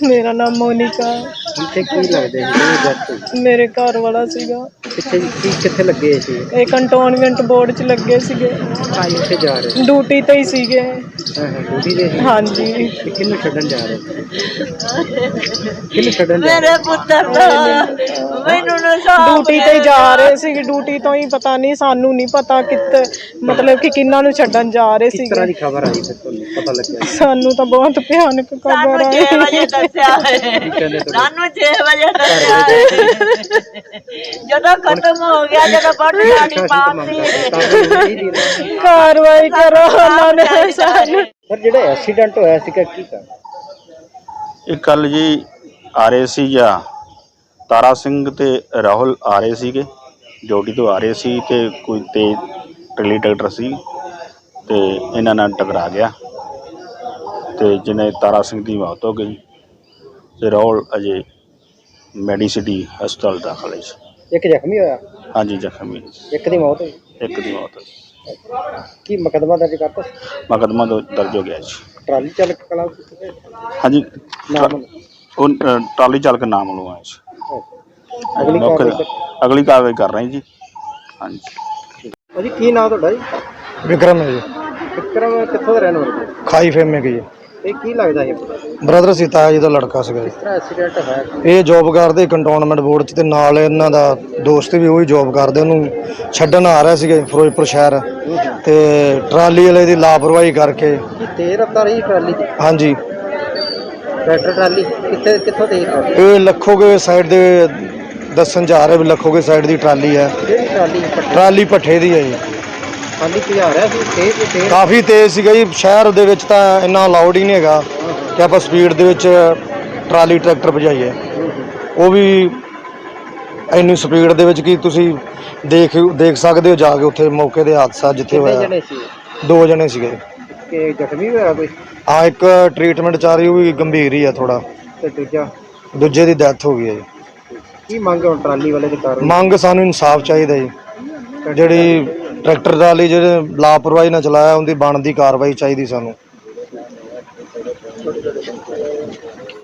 मेरा नाम मोनिका। मेरे घर वाला सीगा। कित्थे लगे सी? ਇਹ ਕੰਟੋਨਮੈਂਟ ਬੋਰਡ ਚ ਲੱਗੇ ਸੀਗੇ। कित्थे जा रहे? ਡਿਊਟੀ ਤੇ ਹੀ ਸੀਗੇ। ड्यूटी ते सी? ਹਾਂਜੀ। किन्नू छड्डन जा रहे? किन्नू छड्डन जा मेरे पुत्र मैनू ਡਿਊਟੀ ਤੇ ਹੀ ਜਾ ਰਹੇ ਸੀਗੇ। ਡਿਊਟੀ ਤੋਂ ਹੀ ਪਤਾ ਨਹੀਂ, ਸਾਨੂੰ ਨਹੀਂ ਪਤਾ ਕਿੱਥੇ, ਮਤਲਬ ਕਿ ਕਿੰਨਾਂ ਨੂੰ ਛੱਡਣ ਜਾ ਰਹੇ किस ਸੀਗੇ। तरह की खबर आई फिर तुहानू पता लग्या? ਸਾਨੂੰ ਤਾਂ ਬਹੁਤ ਭਿਆਨਕ ਖਬਰ ਆਈ। 6 ਵਜੇ ਦੱਸਿਆ ਸਾਨੂੰ 6 ਵਜੇ ਦੱਸਿਆ ਜਦੋਂ ਖਤਮ ਹੋ ਗਿਆ, ਜਦੋਂ ਬੜੀ ਗਾੜੀ ਪਾਤੀ ਕਾਰਵਾਈ ਕਰੋ ਉਹਨਾਂ ਨੇ ਸਾਨੂੰ। पर जेड़ा एक्सीडेंट होया सीगा की कर? ਇਹ ਕੱਲ ਜੀ ਆ ਰਹੇ ਸੀ ਜਾਂ ਤਾਰਾ ਸਿੰਘ ਤੇ ਰਾਹੁਲ ਆ ਰਹੇ ਸੀਗੇ, ਡਿਊਟੀ ਤੋਂ ਆ ਰਹੇ ਸੀ ਤੇ ਕੋਈ ਤੇਜ਼ ਟਰੈਲੀ ਟਰੈਕਟਰ ਸੀ ਤੇ ਇਹਨਾਂ ਨਾਲ ਟਕਰਾ ਗਿਆ ਤੇ ਜਿਹਨੇ ਤਾਰਾ ਸਿੰਘ ਦੀ ਮੌਤ ਹੋ ਗਈ ਤੇ ਰਾਹੁਲ ਅਜੇ ਮੈਡੀਸਿਟੀ ਹਸਪਤਾਲ ਦਾਖਲ ਹੈ ਜੀ। एक जख्मी होया? ਹਾਂਜੀ ਜ਼ਖਮੀ एक दी मौत हुई? ਇੱਕ ਦੀ ਮੌਤ ਹੋਈ। की मुकदमा दर्ज करता? ਮੁਕੱਦਮਾ ਦਰਜ ਹੋ ਗਿਆ ਜੀ। ट्राली चालक कला ਹਾਂਜੀ नाम ਉਹ ਟਰਾਲੀ ਚਾਲਕ ਨਾਮ ਲਵਾਇਆ ਜੀ। अगली ਮੌਕੇ कार्रवाई ਤੇ ਅਗਲੀ ਕਾਰਵਾਈ ਕਰ ਰਹੇ ਜੀ। ਹਾਂਜੀ भाजी की नाम तुहाडा जी? विक्रम है जी, विक्रम कित्थों दा रहने वाला? खाई फेमे की जी। ਇਹ ਕੀ ਲੱਗਦਾ ਹੈ? ਬ੍ਰਦਰ ਸੀ, ਤਾਇਆ ਜੀ ਦਾ ਲੜਕਾ ਸੀਗਾ ਜੀ। ਕਿਸ ਤਰ੍ਹਾਂ ਐਕਸੀਡੈਂਟ ਹੋਇਆ? ਇਹ ਜੋਬ ਕਰਦੇ ਕੰਟੋਨਮੈਂਟ ਬੋਰਡ 'ਚ ਤੇ ਨਾਲ ਇਹਨਾਂ ਦਾ ਦੋਸਤ ਵੀ ਉਹੀ ਜੋਬ ਕਰਦੇ, ਉਹਨੂੰ ਛੱਡਣ ਆ ਰਿਹਾ ਸੀਗਾ ਫਿਰੋਜ਼ਪੁਰ ਸ਼ਹਿਰ ਤੇ ਟਰਾਲੀ ਵਾਲੇ ਦੀ ਲਾਪਰਵਾਹੀ ਕਰਕੇ। ਕੀ ਤੇਜ਼ ਰਫ਼ਤਾਰ ਹੀ ਟਰਾਲੀ ਦੀ? ਹਾਂਜੀ, ਟਰੈਕਟਰ ਟਰਾਲੀ ਕਿੱਥੋਂ ਤੇਜ਼ ਟਰਾਲੀ? ਇਹ ਲੱਖੋਗੇ ਸਾਈਡ ਦੇ ਦੱਸਣ ਜਾ ਰਹੇ ਵੀ ਲੱਖੋਗੇ ਸਾਈਡ ਦੀ ਟਰਾਲੀ ਹੈ। ਕਿਹੜੀ ਟਰਾਲੀ? ਟਰਾਲੀ ਭੱਠੇ ਦੀ ਹੈ ਜੀ। ਟਰਾਲੀ ਭਜਾ ਰਿਹਾ ਸੀ ਤੇਜ਼ ਕਾਫੀ ਤੇਜ਼ ਸੀਗਾ ਜੀ। ਸ਼ਹਿਰ ਦੇ ਵਿੱਚ ਤਾਂ ਇੰਨਾ ਅਲਾਉਡ ਹੀ ਨਹੀਂ ਹੈਗਾ ਕਿ ਆਪਾਂ ਸਪੀਡ ਦੇ ਵਿੱਚ ਟਰਾਲੀ ਟਰੈਕਟਰ ਭਜਾਈਏ, ਉਹ ਵੀ ਇੰਨੀ ਸਪੀਡ ਦੇ ਵਿੱਚ ਕਿ ਤੁਸੀਂ ਦੇਖ ਸਕਦੇ ਹੋ ਜਾ ਕੇ ਉੱਥੇ ਮੌਕੇ ਦੇ ਹਾਦਸਾ ਜਿੱਥੇ ਕਿੰਨੇ ਹੋਇਆ। ਜਣੇ ਸੀ? 2 ਜਣੇ ਸੀਗੇ। ਕਿ ਜ਼ਖਮੀ ਹੋਇਆ ਕੋਈ? ਹਾਂ, ਇੱਕ ਟ੍ਰੀਟਮੈਂਟ ਚੱਲ ਰਹੀ, ਉਹ ਵੀ ਗੰਭੀਰ ਹੀ ਆ ਥੋੜਾ, ਤੇ ਦੂਜਾ? ਦੂਜੇ ਦੀ ਡੈਥ ਹੋ ਗਈ ਹੈ ਜੀ। ਕੀ ਮੰਗ ਹੁਣ ਟਰਾਲੀ ਵਾਲੇ ਦੀ ਕਾਰਵਾਈ? ਮੰਗ ਸਾਨੂੰ ਇਨਸਾਫ ਚਾਹੀਦਾ ਜੀ। ਜਿਹੜੀ ਟਰੈਕਟਰ ਟਰਾਲੀ ਜਿਹੜੇ ਲਾਪਰਵਾਹੀ ਨਾਲ ਚਲਾਇਆ, ਉਹਦੀ ਬਣਦੀ ਕਾਰਵਾਈ ਚਾਹੀਦੀ ਸਾਨੂੰ।